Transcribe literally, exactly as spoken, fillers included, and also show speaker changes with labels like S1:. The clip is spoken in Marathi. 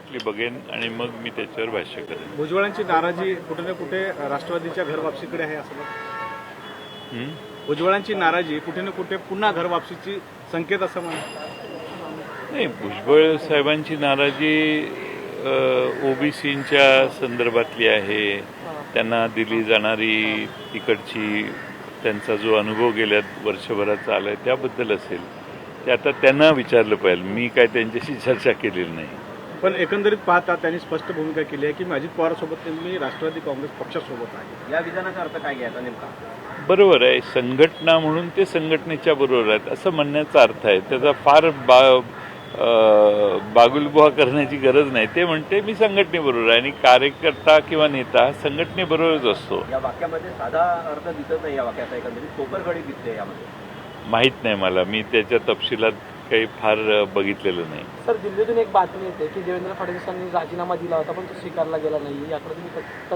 S1: डेफिनेटली बघेन आणि मग मी त्याच्यावर भाष्य करेन.
S2: भुजबळांची नाराजी कुठे ना कुठे राष्ट्रवादीच्या घर वापसीकडे आहे असं
S1: हं?
S2: भुजबळांची नाराजी कुठे ना कुठे पुन्हा घर वापसीची संकेत असं म्हणा.
S1: नाही, भुजबळ साहेबांची नाराजी ओबीसींच्या संदर्भातली आहे. त्यांना दिली जाणारी तिकडची त्यांचा जो अनुभव गेल्या वर्षभराचा आला आहे त्याबद्दल असेल. ते आता त्यांना विचारलं पाहिजे. मी काय त्यांच्याशी चर्चा केलेली नाही.
S2: पण एकंदरीत पाहता त्यांनी स्पष्ट भूमिका केली आहे की अजित पवारसोबत मी राष्ट्रवादी काँग्रेस पक्षासोबत आहे. या विधानाचा अर्थ काय घ्यायचा नेमका?
S1: बरोबर आहे. संघटना म्हणून ते संघटनेच्या बरोबर आहेत असं म्हणण्याचा अर्थ आहे. त्याचा फार बा बागुलबुवा करण्याची गरज नाही. ते म्हणते मी संघटनेबरोबर आहे आणि कार्यकर्ता किंवा नेता संघटनेबरोबरच असतो.
S3: या वाक्यामध्ये साधा अर्थ दिसत नाही. या वाक्याचा एकंदरीत कोपरखडी दिसते यामध्ये.
S1: माहीत नाही मला. मी त्याच्या तपशिलात काही फार बघितलेलं नाही.
S4: सर, दिल्लीतून एक बातमी येते की देवेंद्र फडणवीसांनी राजीनामा दिला होता पण तो स्वीकारला गेला नाही. याकडे तुम्ही